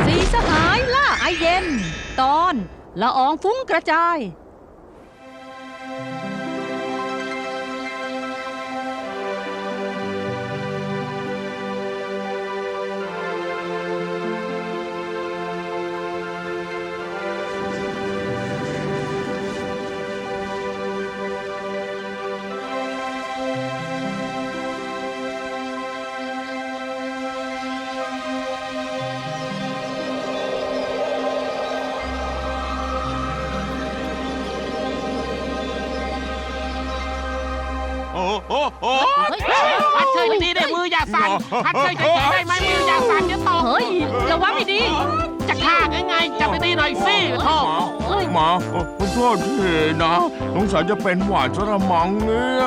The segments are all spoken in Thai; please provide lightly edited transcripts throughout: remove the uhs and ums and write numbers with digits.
สีสหายล่าไอเย็นตอนละอองฟุ้งกระจายพัดเชยดีได้มืออย่าสั่นพัดเชยเฉยๆได้ไหมมืออย่าสั่นจะตกเฮ้ยระวังให้ดีจะฆ่าไงจับดีๆหน่อยสิโธ่หมาขอโทษทีนะสงสัยจะเป็นหวาดสระมังเนี่ย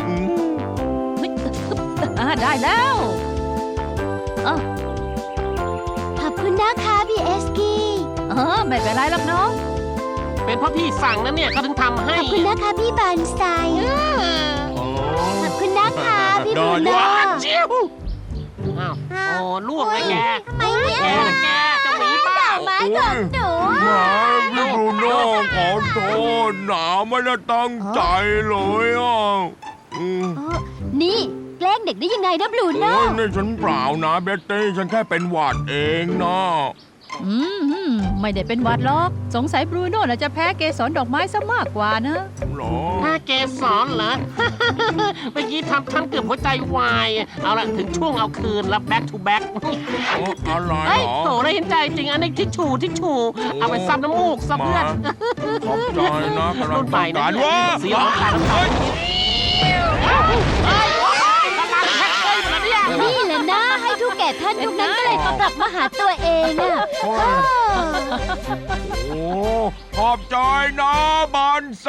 ได้แล้วเออขอบคุณนะคะพี่เอสกี้ไม่เป็นไรหรอกน้องเป็นเพราะพี่สั่งนะเนี่ยเขาถึงทำให้ขอบคุณนะคะพี่บานไซขอบคุณนะคะพี่บูโน่จิ้วอ้าวโอ้ล่วงเลยแกทำไมเนี่ยแกจะหนีเปล่าไม้ของหนูหมาพี่บรูโน่ขอโทษนะไม่ได้ตั้งใจเลยอ่ะนี่แกล้งเด็กได้ยังไงนะบลูโน่โอ้ยนี่ฉันเปล่านะเบตตี้ฉันแค่เป็นหวาดเองนะไม่ได้เป็นหวัดหรอกสงสัยบรูโน่น่ะจะแพ้เกสรดอกไม้ซะมากกว่านะหรอถ้าเกสรเหรอ เมื่อกี้ทำฉันเกือบหัวใจวายเอาละถึงช่วงเอาคืนแล้ว back to back อะไรเฮ้ยหรอโถได้เห็นใจจริงอันนี้ทิชชูเอาไปซับน้ำมูกซับเพื่อนขอบใจนะกำลัรุ่งนใหม่ต้องนะการว่าเสียงขาดน้ำตาพลังแพ็คเลยอยู่แล้วเนี่ยนี่แหละนะให้ทุกแก่ท่านทุกนั้นก็เลยกลับมาหาตัวเองอ่ะโอ้ขอบใจนะบอนไซ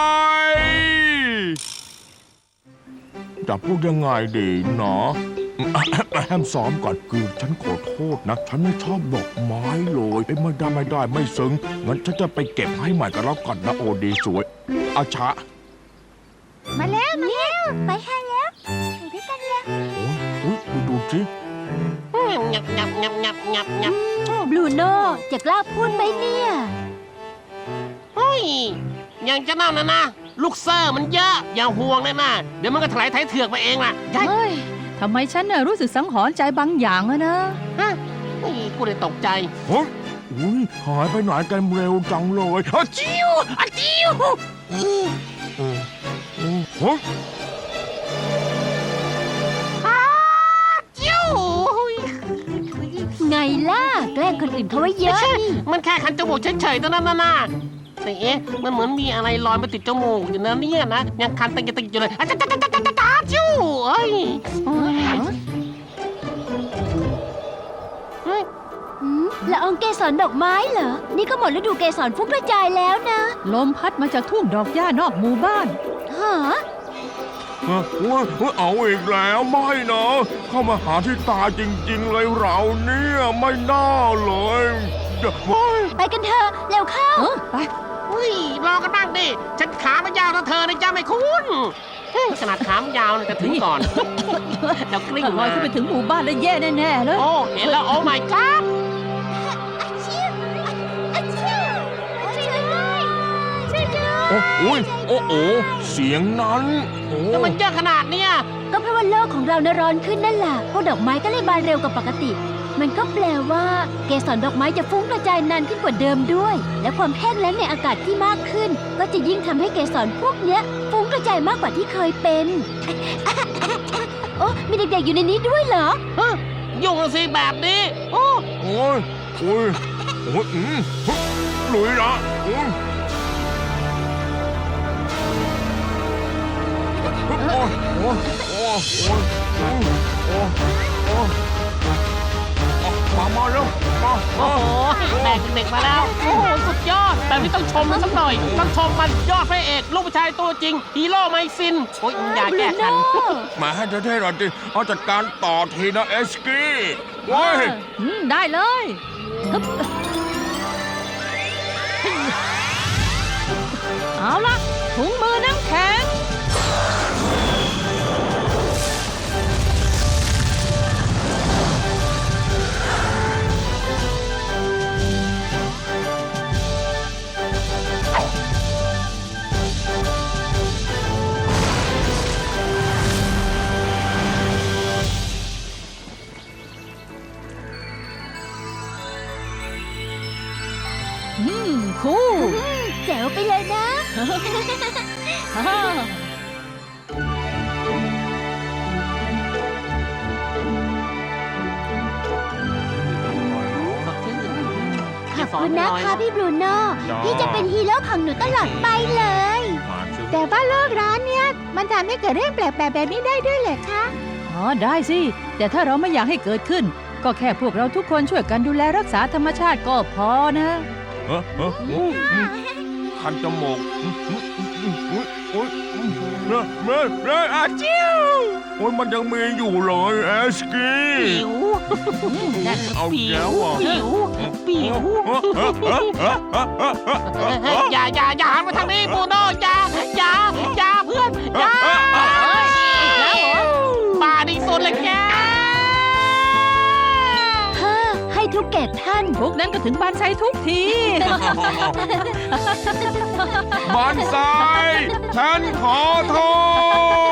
จะพูดยังไงดีเนาะแฮมซ้อมก่อนคือฉันขอโทษนะ ฉันไม่ชอบดอกไม้เลยไม่ได้ไม่ซึ้งงั้นฉันจะไปเก็บให้ใหม่กันแล้วก่อนนะโอดีสวยอาชะมาแล้วไปให้แล้วไปด้วยกันแล้วโอ้ยดูสิงับงับงับงับงับงับบลูโน่จะกล้าพูดไหมเนี่ยเฮ้ยยังจะเน่านะลูกเซอร์มันเยอะอย่าห่วงเลยนะเดี๋ยวมันก็ถลายไถเถือกไปเองล่ะเฮ้ยทำไมฉันน่ะรู้สึกสังหรณ์ใจบางอย่างอะนะฮะกูเลยตกใจเฮ้ยอุ้ยหายไปไหนกันเร็วจังเลยอาจิ้วอาจิ้วเฮ้ยจิ้วไงล่ะแกล้งคนอื่นเขาไว้เยอะนี่มันแค่คันจมูกเฉยๆเท่านั้นนะแต่เอ๊ะมันเหมือนมีอะไรลอยมาติดจมูกอยู่นะเนี่ยนะยังคันติงอยู่เลยอาจ้าจิ้วเอ้ยละอองเกสรดอกไม้เหรอ นี่ก็หมดฤดูเกสรฟุ้งกระจายแล้วนะลมพัดมาจากทุ่งดอกหญ้านอกหมู่บ้านฮะเอาอีกแล้วไม่นะเข้ามาหาที่ตาจริงๆเลยเราเนี่ยไม่น่าเลยเฮ้ยไปกันเถอะเร็วเข้าไปอุ้ยรอกันบ้างดิฉันขาไม่ยาวเท่าเธอนะจ้าไม่คุ้นขนาดขามยาวจะถึงก่อนเรากลิ้งถ้าลอยขึ้นไปถึงหมู่บ้านแล้วแย่แน่ๆเลยโอ้เห็นแล้วโอ้ my god โอ้ยโอ้โอ้เสียงนั้นโอ้แต่มันเยอะขนาดเนี้ยก็เพราะว่าโลกของเราน่ะร้อนขึ้นนั่นแหละพวกดอกไม้ก็เลยบานเร็วกว่าปกติ มันก็แปลว่าเกสรดอกไม้จะฟุ้งกระจายนานขึ้นกว่าเดิมด้วย และความแห้งแล้งในอากาศที่มากขึ้น ก็จะยิ่งทำให้เกสรพวกเนี้ยฟุ้งกระจายมากกว่าที่เคยเป็น โอ้มีเด็กๆอยู่ในนี้ด้วยเหรอยุ่งสิแบบนี้โอ้โอ้ยโอ้ยโอ้ยหลุยนะโอ้ยโอ้ยโอ้ยโอ้ยโอ้ยโอ้ยโอ้ยมาแล้วมาโอ้โหแบกเด็กมาแล้ว โอ้โหสุดยอดแบบนี้ต้องชมมันสักหน่อยต้องชมมันยอดพระเอกลูกผู้ชายตัวจริงฮีโร่ไมซินโอ้ยอย่าแก้ขันมาให้เท่ๆหน่อยดิเอาจัดการต่อทีนะเอสกี้โอ้ยได้เลยฮึบเอาละถุงมือน้ำแข็งโคู่แจ๋วไปเลยนะ ขอบคุณนะคะพี่บรูโน่ที่จะเป็นฮีโร่ของหนูตลอดไปเลยมาสิแต่ว่าโลกร้อนเนี่ยมันทำให้เกิดเรื่องแปลกๆแบบนี้ได้ด้วยเหรอคะอ๋อได้สิ แต่ถ้าเราไม่อยากให้เกิดขึ้น ก็แค่พวกเราทุกคนช่วยกันดูแลรักษาธรรมชาติก็พอนะคันจมูกอาจิ้วโอ้ยมันยังมีอยู่เลยเอสกี้ปิวเอาแล้วอ่ะปิวปิวอย่าหันมาทางนี้บูโน่อย่าเพื่อนอย่าป่าดีสุดเลยแกให้ทุกแก่ท่านพวกนั้นก็ถึงบานไซทุกทีบอนไซฉันขอโทษ